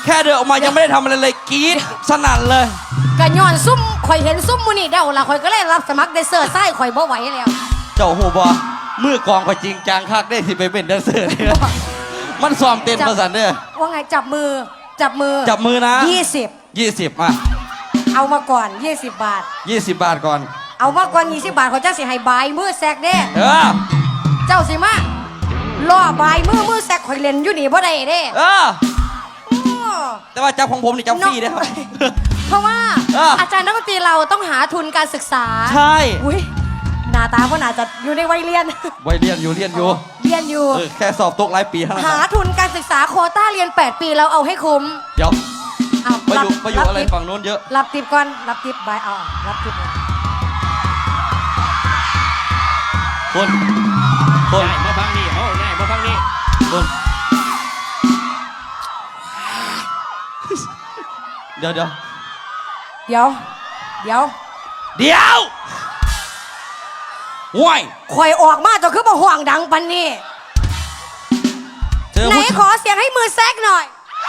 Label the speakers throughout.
Speaker 1: แค่เดินออกมายังไม่ได้ทำอะไรเลยกรี๊ดสนั่นเลย
Speaker 2: ก็ย้อนซุ่มข่อยเห็นซุ่มมูนี่เดาละข่อยก็เลยรับสมัครแดนเซอร์ไส้ข่อยบ่ไหวแล้ว
Speaker 1: เจ้าหูบอมือกองก็จริงจังคักได้ที่ไปเป็นแดนเซอร์เนี่ยมันซ้อมเต้นประสันเนี่ย
Speaker 2: ว่าไงจับมือ
Speaker 1: นะ20อ่ะ
Speaker 2: เอามาก่อน20 บาท
Speaker 1: 20 บาทก่อน
Speaker 2: เอามาก่อน20 บาทเขาจะสิให้บายมือแซกเด้เจ้าสิมาล่อบายมือแซกข่อยเล่นอยู่นี่บ่ได้เด้
Speaker 1: แต่ว่าจับของผมนี่จับฟรีได้ครับ
Speaker 2: เพราะว่าอาจารย์นักดนตรีเราต้องหาทุนการศึกษา
Speaker 1: ใช่
Speaker 2: อุ้ยหน้าตาก็น่าจะอยู่ในวัยเรียน
Speaker 1: อยู่แค่สอบตกหลายปีเท่านั้น
Speaker 2: หาทุนการศึกษาโควต้าเรียน8 ปีเราเอาให้คุ้ม
Speaker 1: เดี๋ยวไปอยู่อะไรฝั่งโน้นเยอะ
Speaker 2: รับทิปก่อนรับทิปบายเอารับทิป
Speaker 1: คน
Speaker 3: ง่ายมาฟังนี่ง่ายมาฟังนี่
Speaker 1: คนเดี๋ยวห่วย
Speaker 2: ข่อยออกมาจะคือมาห่วงดังปันนี่ไหนขอเสียงให้มือแซกหน่อย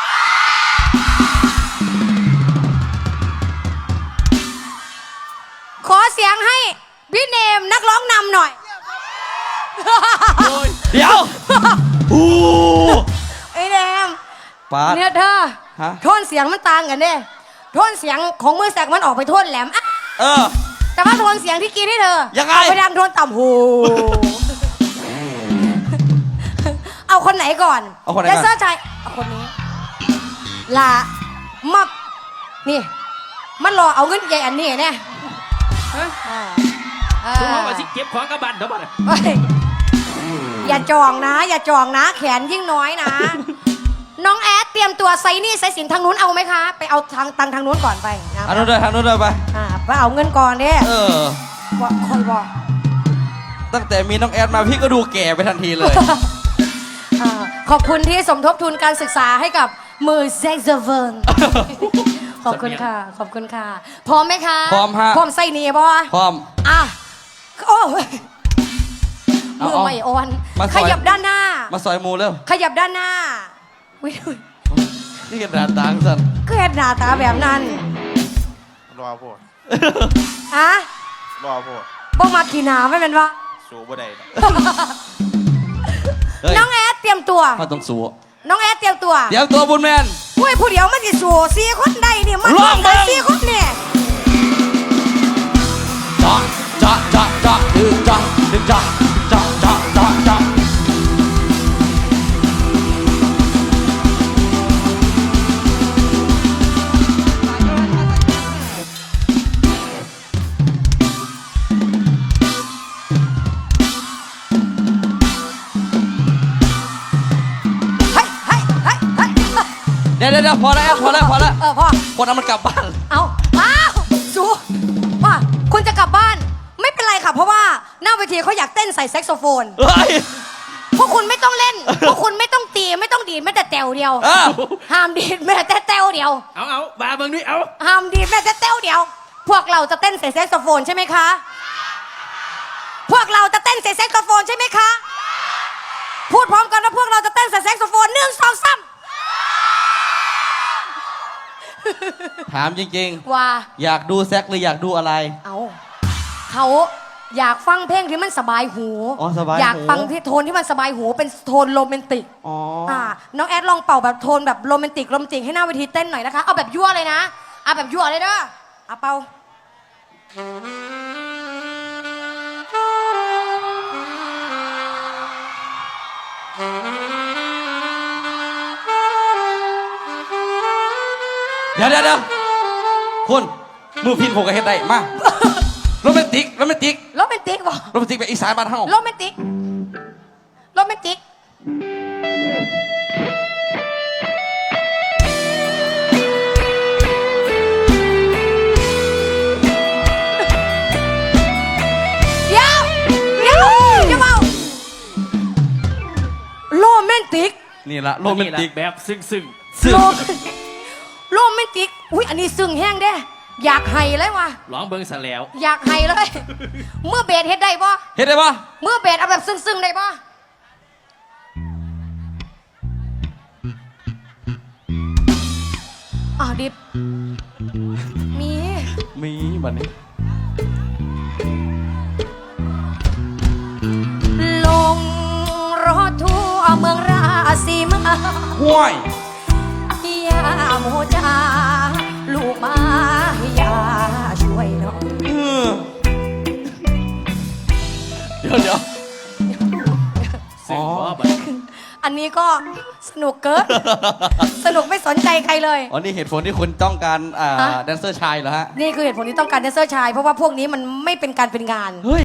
Speaker 2: ขอเสียงให้พี่เนมนักร้องนำหน่อย
Speaker 1: เดี๋ยว
Speaker 2: ไอ้เนมเนี่ยเธอโทนเสียงมันต่างกันเนี่ยโทนเสียงของมือแซกมันออกไปโทนแหลมแต่ว่าโทนเสียงที่กินให้เธอ
Speaker 1: ยังไง
Speaker 2: ไปดังโทนต่ำหูเอาคนไหนก่อนแดนเซอร์ชายเอาคนนี้ลามักนี่มันรอเอาเงินใหญ่อันนี้เนี่ย
Speaker 3: ทุกคนมาสิเก็บของกระบันเท่าไหร่
Speaker 2: อย่าจองนะแขนยิ่งน้อยนะน้องแอดเตรียมตัวไซนี่ไซสินทางนู้นเอาไหมคะไปเอาทางนู้นก่อนไป
Speaker 1: นะทางนู้นเลยไป
Speaker 2: ไปเอาเงินก่อนเนี่ยคอยบอก
Speaker 1: ตั้งแต่มีน้องแอดมาพี่ก็ดูแก่ไปทันทีเลย
Speaker 2: ขอบคุณที่สมทบทุนการศึกษาให้กับมือแซกโซโฟนขอบคุณค่ะพร้อมไหมคะ
Speaker 1: พร้อมฮะ
Speaker 2: พร้อมไซนี่ป่ะ
Speaker 1: พร้อม
Speaker 2: โอ้มือไม่อ่อนขยับด้านหน้า
Speaker 1: มาซอยมูเร็ว
Speaker 2: ขยับด้านหน้า
Speaker 1: นี่กันหน้าตาสั่น
Speaker 2: ก็เห็นหน้าตาแบบนั้น
Speaker 4: รอพูดรอพูด
Speaker 2: บ่มาขี่หนาไม่เป็นวะ
Speaker 4: สู้บ่ได้
Speaker 2: น้องแอดเตรียมตัว
Speaker 1: มาต้องสู้
Speaker 2: น้องแอดเตรียมตัว
Speaker 1: บุญแมน
Speaker 2: ผู้เดียวมันจะสู้4 คนได้เนี่ยมันต้อง4 คนเนี่ย
Speaker 1: จ้าเดี๋ยวพอแล้วพอคนนั้นมันกลับบ้าน
Speaker 2: เอาสู้ว่าคุณจะกลับบ้านไม่เป็นไรค่ะเพราะว่าหน้าเวทีเขาอยากเต้นใส่แซกโซโฟนพวกคุณไม่ต้องเล่นพวกคุณไม่ต้องตีไม่ต้องดีดแม้แต่แตวเดียวห้ามดีดแม้แต่แตวเดียว
Speaker 3: เอามาเบิ่งนี่เอา
Speaker 2: ห้ามดีดแม้แต่แตวเดียวพวกเราจะเต้นใส่แซกโซโฟนใช่ไหมคะพวกเราจะเต้นใส่แซกโซโฟนใช่ไหมคะพูดพร้อมกันว่าพวกเราจะเต้นใส่แซกโซโฟน1 2 3
Speaker 1: ถามจริง
Speaker 2: ๆว่า
Speaker 1: อยากดูแซกหรืออยากดูอะไร
Speaker 2: เขาอยากฟังเพลงที่มันสบายหูอยากฟังที่โทนที่มันสบายหูเป็นโทนโรแมนติกน้องแอดลองเป่าแบบโทนแบบโรแมนติกให้หน้าเวทีเต้นหน่อยนะคะเอาแบบยั่วเลยนะเอาแบบยั่วเลยเด้อเอาเป่า
Speaker 1: เดี๋ยวคุณมือพินผมก็เฮ็ดได้มาโรแมนติก
Speaker 2: บ่โรแมนติก
Speaker 1: แบบอีสานบ้านเฮา
Speaker 2: โรแมนติกเดี๋ยวจะเมาโรแมนติก
Speaker 1: นี่ละโรแมนติก
Speaker 3: แบบซึ้ง
Speaker 2: โรแมนติกอุ้ยอันนี้ซึ้งแห้งเด้อยากไห้เลยว่ะ
Speaker 3: ร้องเบิ้งซะแล้ว
Speaker 2: อยากไห้เลยเมื่อเบสเฮ็ดได้ปะเมื่อเบสเอาแบบซึ้งได้ปะดิบมี
Speaker 1: มีบัดนี้
Speaker 2: ลงรถทั่วเมืองราศีมา
Speaker 1: ห้วย
Speaker 2: ยาโมจาลูกมาอย่าช่วยหน่อย
Speaker 1: เดี๋ยว
Speaker 3: ซึ่งบ่บัด
Speaker 2: อันนี้ก็สนุกเกิน สนุกไม่สนใจใครเลย
Speaker 1: อ๋อนี่เหตุผลที่คุณต้องการ
Speaker 2: ฮะ
Speaker 1: แดนเซอร์ชายเหรอฮะ
Speaker 2: นี่คือเหตุผลที่ต้องการแดนเซอร์ชาย เพราะว่าพวกนี้มันไม่เป็นการเป็นงาน
Speaker 1: เฮ้ย